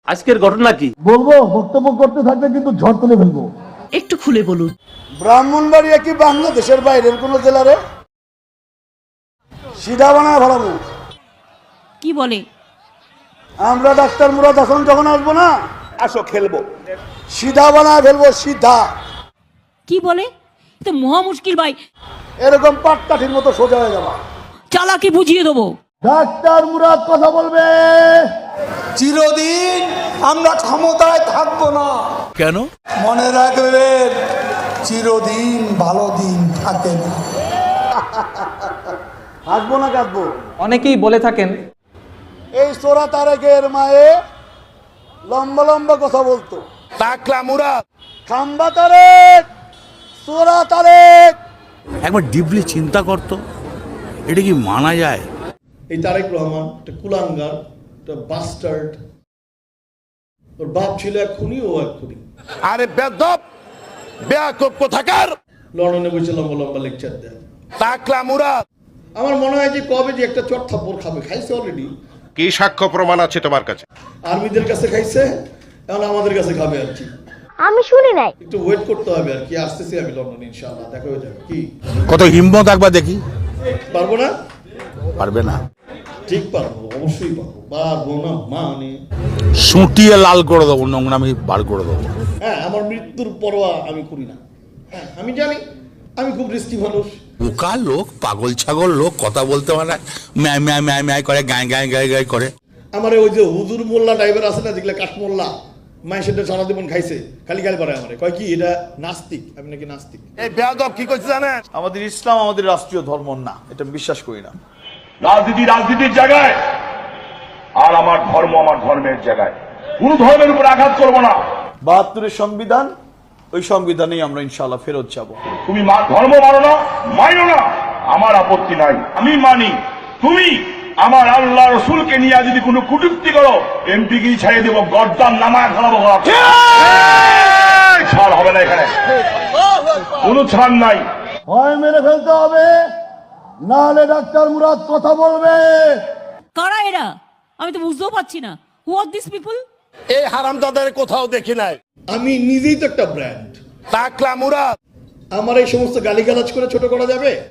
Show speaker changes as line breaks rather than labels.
আজকের ঘটনা কি
বলবো, বক্তব্য করতে থাকলে কিন্তু ঝড় তুলে ফেলবো।
একটু খুলে বলুন।
ব্রাহ্মণবাড়িয়া কি বাংলাদেশের বাইরের কোন জেলারে? সিধা বানায় ভাড়াবো।
কি বলে?
আমরা ডাক্তার মুরাদ হাসান যখন আসবো না,
আসো খেলবো।
সিধা বানায় ফেলবো, সিধা।
কি বলে? তো মহা মুশকিল ভাই,
এরকম পাটকাঠির মতো সোজা হয়ে যাবা।
চালাকি বুঝিয়ে দেবো।
ডাক্তার মুরাদ কথা বলবে।
চিরদিন আমরা ক্ষমতায় থাকবো না।
কেন?
মনে রাখবেন, চিরদিন ভালো দিন থাকে না।
হাসবো না কাঁদবো?
অনেকেই বলে থাকেন
এই সোরা তারেকের মায়ে লম্বা লম্বা কথা বলতো।
টাকলা মুরাদ
খাম্বা তারেক, সোরা তারেক।
একবার ডিপলি চিন্তা করতো, এটা কি মানা যায়?
এই তারেক রহমান একটা কুলাঙ্গার, একটা বাস্টার্ড। ওর বাপ ছিল এক খুনি, ও এক খুনি।
আরে বেদব বেয়াকুব কোথাকার!
লন্ডনে বসে লম্বা লম্বা লেকচার দেয়।
টাকলা মুরাদ
আমার মনে হয় যে কবে যে একটা চট থাপ্পড় খাবে, খাইছে অলরেডি।
কি সাক্ষ্য প্রমাণ আছে তোমার কাছে?
আর্মিদের কাছে খাইছে, এখন আমাদের কাছে খাবে আর কি।
আমি শুনি নাই।
একটু ওয়েট করতে হবে আর কি। আসতেছি আমি লন্ডনে, ইনশাআল্লাহ দেখা হয়ে যাবে। কি
কত হিম্মত একবার দেখি।
পারবো না?
পারবে না?
ঠিক পারবো, অবশ্যই পারবো। পারবো না মানে
সুটিয়ে লাল করে দেবো, নোংরামি বার করে দেবো।
হ্যাঁ, আমার মৃত্যুর পরোয়া আমি করি না। হ্যাঁ, আমি জানি আমি খুব রিস্কি মানুষ।
বোকা লোক, পাগল ছাগল লোক, কথা বলতে পারে, ম্যায় ম্যায় ম্যায় ম্যায় করে, গায়ে গায়ে গায়ে গায়ে করে।
আমার ওই যে হুজুর মোল্লা টাইপের আছে না, যেগুলো কাঠমোল্লা, মায়ের সেটা সারা জীবন খাইছে, খালি গালি পারে আমারে, কয় কি এটা নাস্তিক, আমি নাকি নাস্তিক।
এই বেয়াদব কি করছে জানেন?
আমাদের ইসলাম আমাদের রাষ্ট্রীয় ধর্ম না, এটা আমি বিশ্বাস করি না।
রাজনীতি রাজনীতির জায়গায়, আর আমার ধর্ম আমার ধর্মের জায়গায়। কোন ধর্মের উপর আঘাত করবো না।
72-এর সংবিধান, ওই সংবিধানেই আমরা ইনশাআল্লাহ ফেরত যাব।
তুমি ধর্ম মানো না, মানো না, আমার আপত্তি নাই, আমি মানি। তুমি আমার আল্লাহ রসুলকে নিয়ে যদি কোনো কুটুক্তি করো, এমপি কি ছাড়িয়ে দেবো, গর্দান নামায় ফেলাবো। ছাড় হবে না এখানে, কোনো ছাড় নাই।
হয় মেরে ফেলতে হবে, নাহলে ডাক্তার মুরাদ কথা বলবে।
কারা এরা? আমি তো বুঝতেও পারছি না। Who are this people?
এই হারামজাদাদের কোথাও দেখি নাই।
আমি নিজেই তো একটা ব্র্যান্ড।
টাকলা মুরাদ
আমার এই সমস্ত গালিগালাজ করে ছোট করা যাবে?